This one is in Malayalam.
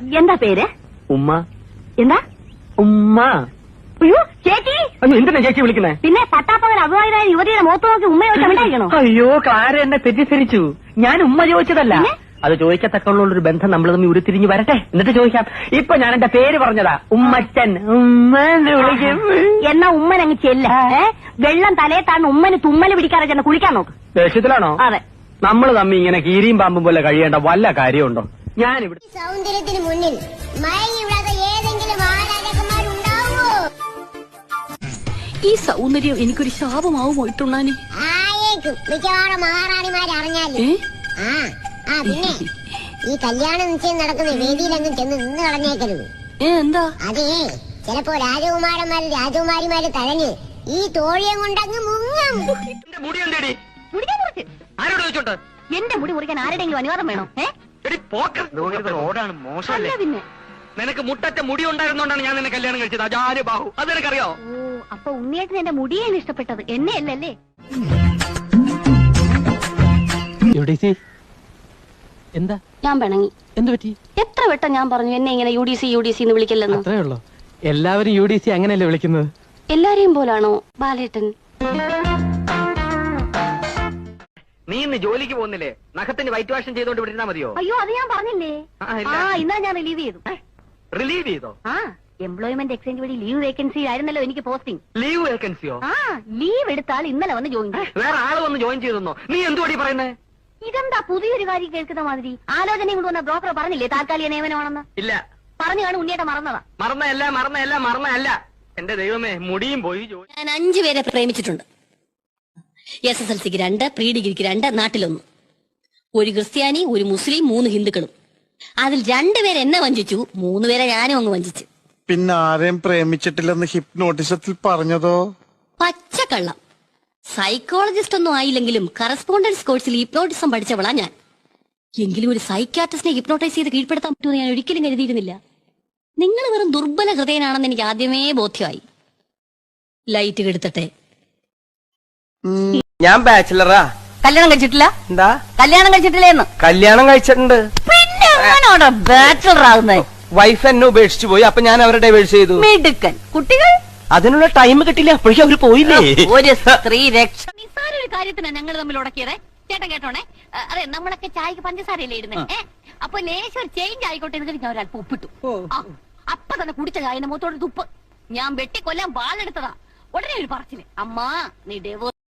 എന്താ പേര്? ഉമ്മ. എന്താ? ഉമ്മ. അയ്യോ ചേച്ചി. എന്തിനാ ചേച്ചി വിളിക്കുന്നേ? പിന്നെ പട്ടാപ്പകൽ അഭിമാനായ യുവതിയുടെ മുഖത്ത് നോക്കി ഉമ്മ ചോദിച്ചാണോ? അയ്യോ ക്ലാര എന്നെ തെറ്റിദ്ധരിച്ചു. ഞാൻ ഉമ്മ ചോദിച്ചതല്ല. അത് ചോദിക്കത്തക്കുള്ളൊരു ബന്ധം നമ്മൾ തമ്മിൽ ഉരുത്തിരിഞ്ഞ് വരട്ടെ, എന്നിട്ട് ചോദിക്കാം. ഇപ്പൊ ഞാൻ എന്റെ പേര് പറഞ്ഞതാ, ഉമ്മച്ചൻ. ഉമ്മന്ന് വിളിക്കും. എന്നാ ഉമ്മൻ അങ്ങ് ചെല്ല. വെള്ളം തലയെ താഴ്ന്ന് ഉമ്മന് തുമ്മല് പിടിക്കാതെ ചെന്ന് കുളിക്കാൻ നോക്ക്. ദേഷ്യത്തിലാണോ? അതെ. നമ്മൾ തമ്മിൽ ഇങ്ങനെ കീരിയും പാമ്പും പോലെ കഴിയേണ്ട വല്ല കാര്യമുണ്ടോ? ഞാനിവിടെ സൗന്ദര്യത്തിന് മുന്നിൽ മയങ്ങിവിടാത്ത ഏതെങ്കിലും ആരാധകന്മാരുണ്ടാവോ? ഈ സൗന്ദര്യം എനിക്കൊരു ശാപമാവുമോ ഇട്ടുണ്ണാനെ? ആയേക്കും. മിക്കവാറും മഹാറാണിമാരെ അറിഞ്ഞാല്. പിന്നെ ഈ കല്യാണ നിശ്ചയം നടക്കുന്ന വേദിയിലങ്ങ് ചെന്ന് നിന്ന് കളഞ്ഞേക്കരുത്. എന്താ? അതേ, ചിലപ്പോ രാജകുമാരന്മാരും രാജകുമാരിമാര് തഴഞ്ഞ് ഈ തോഴിയം കൊണ്ടങ്ങ് മുങ്ങും. മുടി എന്തേടി? ആരോട് ചോദിച്ചോണ്ട്? എന്റെ മുടി മുറിക്കാൻ ആരുടെയെങ്കിലും അനുവാദം വേണോ? റോഡാണ് മോശമല്ലേ? പിന്നെ നിനക്ക് മുട്ടറ്റ മുടി ഉണ്ടായിരുന്നോണ്ടാണ് ഞാൻ നിന്നെ കല്യാണം കഴിച്ചത്. അജാര് ബാഹു, അത് നിനക്കറിയോ? ഓ, അപ്പൊ ഉണ്ണിയേട്ടൻ എന്റെ മുടിയാണ് ഇഷ്ടപ്പെട്ടത്, എന്നെ അല്ലല്ലേ? എന്താ? ഞാൻ പിണങ്ങി. എന്ത് പറ്റി? എത്ര വട്ടം ഞാൻ പറഞ്ഞു എന്നെ ഇങ്ങനെ യു ഡി സി എന്ന് വിളിക്കല്ലെന്ന്. അത്രേ ഉള്ളൂ. എല്ലാവരും UDC അങ്ങനെയല്ലേ വിളിക്കുന്നത്? എല്ലാരെയും പോലാണോ ബാലേട്ടൻ? നീ ഇന്ന് ജോലിക്ക് പോകുന്നില്ലേ? നഖത്തിന് വൈറ്റ് വാഷ് ചെയ്തോണ്ട് വിട്ടിരുന്നാ മതിയോ? അയ്യോ, അത് ഞാൻ പറഞ്ഞില്ലേ. ഇന്നാ ഞാൻ റിലീവ് ചെയ്തു. റിലീവ് ചെയ്തോ? എംപ്ലോയ്മെന്റ് എക്സ്ചേഞ്ച് വഴി ലീവ് വേക്കൻസി ആയിരുന്നല്ലോ എനിക്ക് പോസ്റ്റിംഗ്. ലീവ് വേക്കൻസിയോ? ലീവ് എടുത്താൽ ഇന്നലെ വന്ന് ജോയിൻ ചെയ്യും. വേറെ ആള് വന്ന് ജോയിൻ ചെയ്തെന്നോ? നീ എന്തുവാടി പറയുന്നേ? ഇതെന്താ പുതിയൊരു കാര്യം കേൾക്കുന്ന മാതിരി? ആലോചനയും കൊണ്ട് വന്ന ബ്രോക്കർ പറഞ്ഞില്ലേ താൽക്കാലിക നിയമനമാണെന്ന്? ഇല്ല. പറഞ്ഞു കാണും ഉണ്ണിയേട്ട മറന്നതാ. മറന്നല്ല. എന്റെ ദൈവമേ, മുടിയും പോയി. ഞാൻ 5 പേരെ പ്രേമിച്ചിട്ടുണ്ട്. SSLCക്ക് 2, പ്രീ ഡിഗ്രിക്ക് 2, നാട്ടിലൊന്ന്. ഒരു ക്രിസ്ത്യാനി, ഒരു മുസ്ലിം, 3 ഹിന്ദുക്കളും. അതിൽ 2 പേരെ എന്നെ വഞ്ചിച്ചു, 3 പേരെ ഞാനും അങ്ങ് വഞ്ചിച്ചു. പിന്നെ ആരെയും പ്രേമിച്ചിട്ടില്ലെന്ന് ഹിപ്നോട്ടിസത്തിൽ പറഞ്ഞതോ? പച്ചക്കള്ളം. സൈക്കോളജിസ്റ്റ് ഒന്നും ആയില്ലെങ്കിലും കറസ്പോണ്ടൻസ് കോഴ്സിൽ ഹിപ്നോട്ടിസം പഠിച്ചവളാ ഞാൻ. എങ്കിലും ഒരു സൈക്യാട്രിസ്റ്റിനെ ഹിപ്നോട്ടൈസ് ചെയ്ത് കീഴ്പ്പെടുത്താൻ പറ്റുമെന്ന് ഞാൻ ഒരിക്കലും കരുതിയിരുന്നില്ല. നിങ്ങൾ വെറും ദുർബല ഹൃദയനാണെന്ന് എനിക്ക് ആദ്യമേ ബോധ്യമായി. ലൈറ്റ് കെടുത്തട്ടെ. ഞാൻ ബാച്ചിലറാ. കല്യാണം കഴിച്ചിട്ടില്ല? എന്താ? കല്യാണം കഴിച്ചിട്ടില്ലേന്ന്? കല്യാണം കഴിച്ചിട്ടുണ്ട്. പിന്നെ എങ്ങനെയാണോ ബാച്ചിലർ ആകുന്നത്? വൈഫ് എന്നെ ഉപേക്ഷിച്ചു പോയി, അപ്പൊ ഞാൻ അവരെ ഡൈവേഴ്സ് ചെയ്തു. മിടുക്കൻ. കുട്ടികൾ? അതിനുള്ള ടൈം കിട്ടില്ല, അപ്പോഴേക്കും അവര് പോയില്ലേ. ഒരു സ്ത്രീ രക്ഷ. നിസ്സാര ഒരു കാര്യത്തിനാ ഞങ്ങൾ തമ്മിൽ ഉടക്കിയത്. ചേട്ടൻ കേട്ടോണേ, അതെ നമ്മളൊക്കെ ചായക്ക് പഞ്ചസാരയല്ലേ ഇടുന്നേ. അപ്പൊ ലേശം ഒരു ചേഞ്ച് ആയിക്കോട്ടെ എന്ന് ഞാൻ ഒരല്പം ഉപ്പിട്ടു. അപ്പൊ തന്നെ കുടിച്ച ചായന്റെ മുഖത്തോട് തുപ്പ്. ഞാൻ വെട്ടിക്കൊല്ലാൻ വാളെടുത്തതാ. ഉടനെ ഒരു പറച്ചില്, അമ്മ നീ